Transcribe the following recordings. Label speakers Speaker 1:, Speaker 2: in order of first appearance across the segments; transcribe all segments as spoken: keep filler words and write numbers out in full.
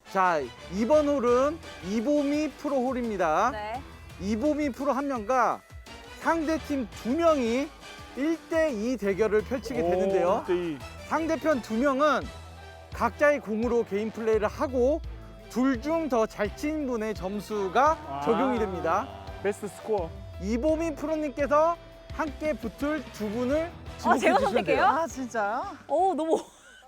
Speaker 1: 자, 이번 홀은 이보미 프로 홀입니다.
Speaker 2: 네.
Speaker 1: 이보미 프로 한 명과 상대팀 두 명이 일 대 이 대결을 펼치게 되는데요. 상대편 두 명은 각자의 공으로 개인 플레이를 하고 둘 중 더 잘 친 분의 점수가
Speaker 3: 아.
Speaker 1: 적용이 됩니다.
Speaker 3: 베스트 스코어.
Speaker 1: 이보미 프로님께서 함께 붙을 두 분을
Speaker 2: 아,
Speaker 1: 지목해
Speaker 2: 제가
Speaker 1: 주시면 돼요.
Speaker 2: 선택해요?
Speaker 4: 아 진짜요?
Speaker 2: 오, 너무.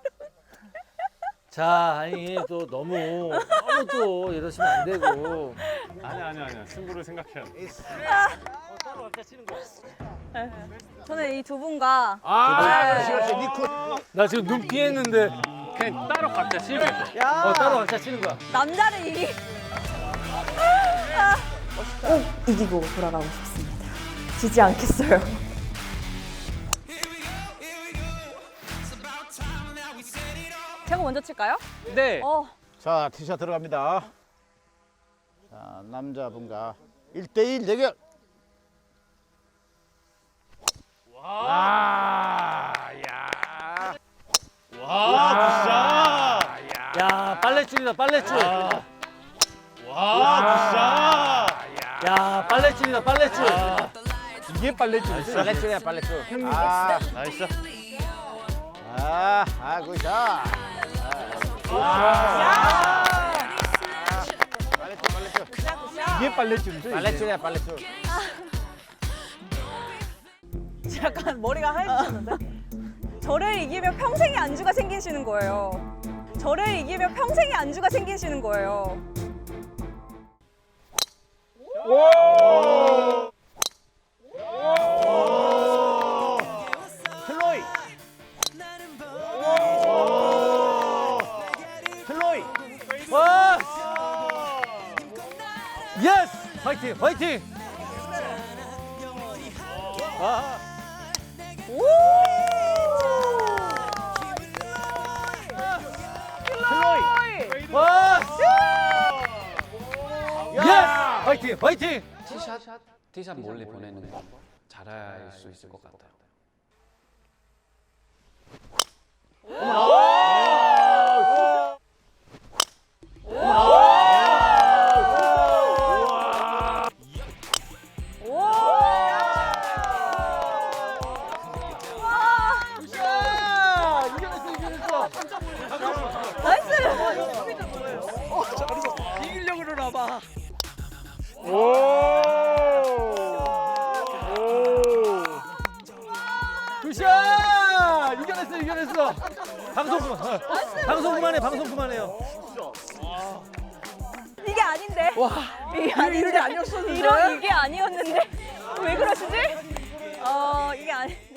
Speaker 5: 자, 아니 또 너무 너무 또 이러시면 안 되고.
Speaker 3: 아니야 아니야 아니야. 승부를 생각해야 돼.
Speaker 5: 따로 각자 치는 거야.
Speaker 2: 저는 이 두 분과
Speaker 5: 아,
Speaker 2: 네.
Speaker 5: 나 지금 눈 피했는데.
Speaker 3: 그냥 따로 각자 치면 돼.
Speaker 1: 야,
Speaker 5: 어, 따로 각자 치는 거야.
Speaker 2: 남자를 이기.
Speaker 6: 꼭 이기고 돌아가고 싶습니다. 지지 않겠어요.
Speaker 2: 제가 먼저 칠까요?
Speaker 5: 네.
Speaker 2: 어,
Speaker 7: 자, 티샷 들어갑니다. 자, 남자분과 일 대 일 대결.
Speaker 3: 와, 야.
Speaker 5: 와, 야, 빨래줄이다, 빨래줄.
Speaker 3: 와,
Speaker 5: 야, 빨래줄이다, 빨래줄.
Speaker 3: 이게 빨래줄.
Speaker 7: 빨래줄이야, 빨래줄. 아,
Speaker 3: 나이스.
Speaker 7: 아, 아, 굿샷. 빨래줄, 빨래줄.
Speaker 3: 이게 빨래줄이죠.
Speaker 7: 빨래줄이야, 빨래줄.
Speaker 4: 약간 머리가 하얘지셨는데?
Speaker 2: 저를 이기면 평생의 안주가 생기시는 거예요. 저를 이기면 평생의 안주가 생기시는 거예요.
Speaker 7: 슬로이. 슬로이.
Speaker 5: 와! 예스! 화이팅, 화이팅! 아,
Speaker 2: 오!
Speaker 7: 슬로이.
Speaker 5: 와! 예스! 화이팅, 화이팅!
Speaker 8: 티샷 티샷 몰래 보내는 거 잘할 수 있을 것 같아요.
Speaker 5: 이겨냈어, 이겨냈어.
Speaker 4: 이기려고 그러나 봐.
Speaker 3: 오. 오.
Speaker 5: 굿샷! 이겨냈어, 이겨냈어. 방송 그만. 어, 방송 그만해, 방송 그만해요.
Speaker 2: 이게 아닌데.
Speaker 4: 와,
Speaker 2: 이게 아닌데.
Speaker 4: 이런 게 아니었었는데?
Speaker 2: 이런 이게 아니었는데. 왜 그러시지? 어, 이게 아니.